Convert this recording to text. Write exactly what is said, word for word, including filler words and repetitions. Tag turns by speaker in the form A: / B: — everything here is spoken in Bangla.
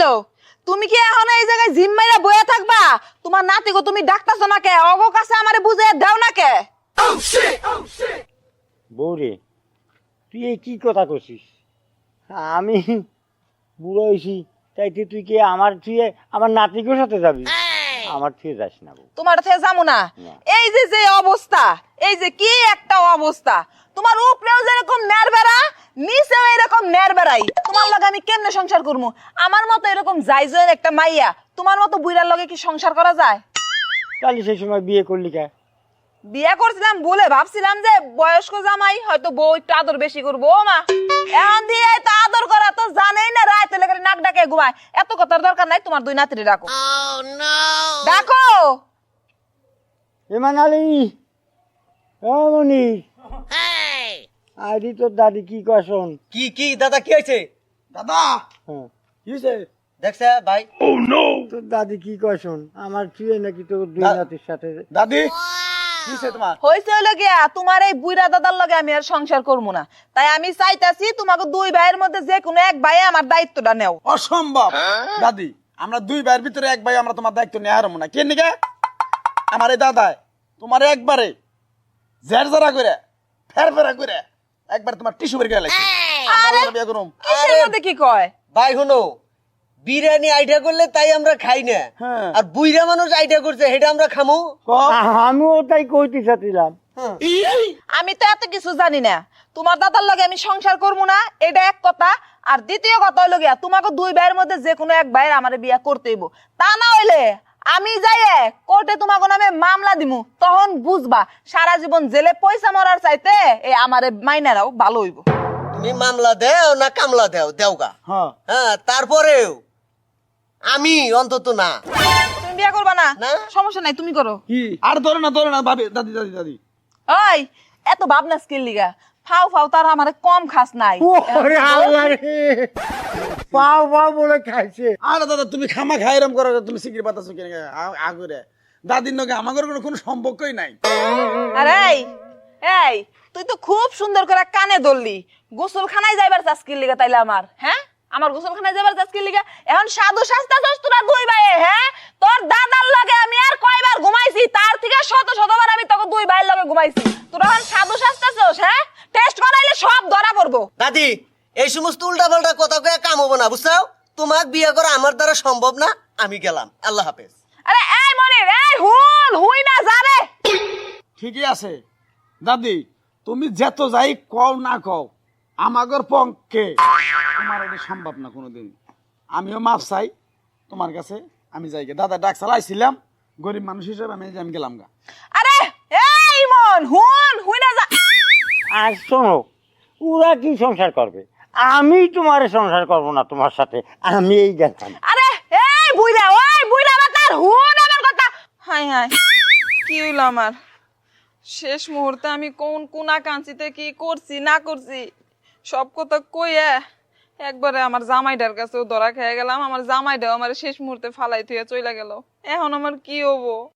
A: হইলো তুমি কি এখন এই জায়গায় জিম মাইরা বইয়া থাকবা? তোমার নাতিগো তুমি ডাকতাছো না কে? অগো কাছে আমারে বুঝে দাও না কে?
B: বৌরে তুই এই কি কথা করছিস? আমি বুড়ো হয়েছি তাই তুই তুই কি আমার তুই আমার নাতিকের সাথে যাবি? আমার থেকে যাস না বউ।
A: তোমার থেকে যাবো না।
B: না।
A: এই যে যে অবস্থা, এই যে কি একটা অবস্থা, তোমার উপরেও যেরকম নেরবেড়া, নিচেও এরকম নেরবেড়াই। তোমার লগে আমি কেমনে সংসার করবো? আমার মতো এরকম জাইজের একটা মাইয়া তোমার মতো বুইড়ার লগে কি সংসার করা যায়?
B: তাহলে সেই সময় বিয়ে করলি কে?
A: বিয়ে করছিলাম বলে ভাবছিলাম যে বয়স্ক জামাই হয়তো বউ একটু আদর বেশি করবো। ও মা, এখন দিয়ে তো আদর করা তো জানেই না, রাতে লেগে নাক ডাকে ঘুমায়। এত কথার দরকার নাই, তোমার দুই নাতিরে ডাকো। ডাকো।
B: এমান আলী, ও মনি, আইডি তোর দাদি কি কখন?
C: কি কি দাদা কি হয়েছে? দাদা
B: হ্যাঁ,
C: কি হয়েছে দেখছে ভাই?
B: তোর দাদি কি কখন? আমার তুই নাকি তোর দুই
C: দা-
B: নাতির সাথে?
C: দাদি কি হয়েছে তোমার?
A: হয়েছে হইলো গিয়া তোমার এই বুইড়া দাদার লগে আমি আর সংসার করবো না। তাই আমি চাইতাছি তোমাকে দুই ভাইয়ের মধ্যে যে কোনো এক ভাই আমার দায়িত্বটা নেও।
C: অসম্ভব দাদি, আমরা দুই ভাইয়ের ভিতরে এক ভাই, আমরা তোমার দায়িত্ব নিয়ে হারবো না। কেন নিকে আমার এই দাদায় তোমার একবারে জের জেরা করে ফের ফেরা করে একবার তোমার টিস্যু বের করে লাগছে। আমরা বিয়ে করুম।
A: কিসের মধ্যে কি কয়?
D: ভাই শুনো, বিরিয়ানি আইডিয়া করলে তাই আমরা খাই না,
C: হ্যাঁ।
D: আর বুইরা মানুষ আইডিয়া করছে সেটা আমরা খামো।
C: ক।
B: আমিও তাই কইতে চাচ্ছিলাম।
A: আমি তো এত কিছু জানি না। তোমার দাদার লগে আমি সংসার করবো না, এটা এক কথা। আর দ্বিতীয় কথা হইলো গিয়া তোমাকে দুই ভাইয়ের মধ্যে যে কোনো এক ভাইয়ের আমার বিয়া করতে হইব। তা না হইলে আমি যাই কোর্টে তোমাকে নামে মামলা দিমু, তখন বুঝবা সারা জীবন জেলে পয়সা মরার চাইতে এই আমারে মাইনারাও ভালো হইব।
D: তুমি মামলা দেও না কামলা দেও দেওগা,
C: হ্যাঁ
D: হ্যাঁ তারপরেও আমি অন্তত না।
A: তুমি বিয়া করবা না?
D: না।
A: সমস্যা নাই, তুমি করো।
C: কি আর ধরে না ধরে না ভাবি, দাদি দাদি দাদি
A: ওই এত ভাবনা স্কিল লিগা ফাও ফাও তার আমারে কম খাস নাই।
B: ওরে আল্লাহ রে, পাও পাও বলে খাইছে।
C: আরে দাদা তুমি খামা খাই এরম করো, তুমি সিকির পাতাছো কেন আগুরে? দাদির নগে আমাদের কোনো কোনো সম্পর্কই নাই।
A: আরে এই, এই তুই তো খুব সুন্দর করে কানে ধরলি। গোসলখানায় যাইবার চাস্কির লিগা তাইলে আমার, হ্যাঁ আমার গোসলখানায় যাইবার চাস্কির লিগা এখন সাধু শাস্তা চস তোরা দুই ভাই, হ্যাঁ তোর দাদার লগে আমি আর কয়বার ঘুমাইছি, তার থেকে শত শতবার আমি তোকে দুই ভাইয়ের লগে ঘুমাইছি। তোরা এখন সাধু শাস্তা চস, হ্যাঁ টেস্ট করাইলে সব ধরা পড়বো।
D: দাদি এই সমস্ত উল্টা পাল্টা কথা কয়ে কাম হবো না, বুঝছো? তোমাক বিয়ে করা আমার দ্বারা সম্ভব না, আমি গেলাম, আল্লাহ হাফেজ।
A: আরে এই মনির, এই হুন হুই না যাবে।
C: ঠিকই আছে দাদি, তুমি যেত যাই কও না কও আমাগর পক্ষে তোমার এটা সম্ভব না কোনোদিন। আমিও মাপ চাই তোমার কাছে, আমি যাই গে। দাদা ডাক চালাইছিলাম, গরিব মানুষ হিসেবে আমি আমি গেলাম গা।
A: আরে এই মন হুন হুই না যা।
B: আর শোনো, ওরা কি সংসার করবে? আমি তোমার সংসার করব না তোমার সাথে, আমি এই গেলাম।
A: আরে এই বুইড়া, ওই বুইড়া বাতার হুন আমার কথা। হাই হাই কি হইল আমার? শেষ মুহূর্তে আমি কোন কোনা কাঞ্চিতে কি করছি না করছি সব কথা কইয়া একবারে আমার জামাইটার কাছেও ধরা খেয়ে গেলাম। আমার জামাইটাও আমার শেষ মুহূর্তে ফালাই থুয়ে চইলা গেল। এখন আমার কি হবো?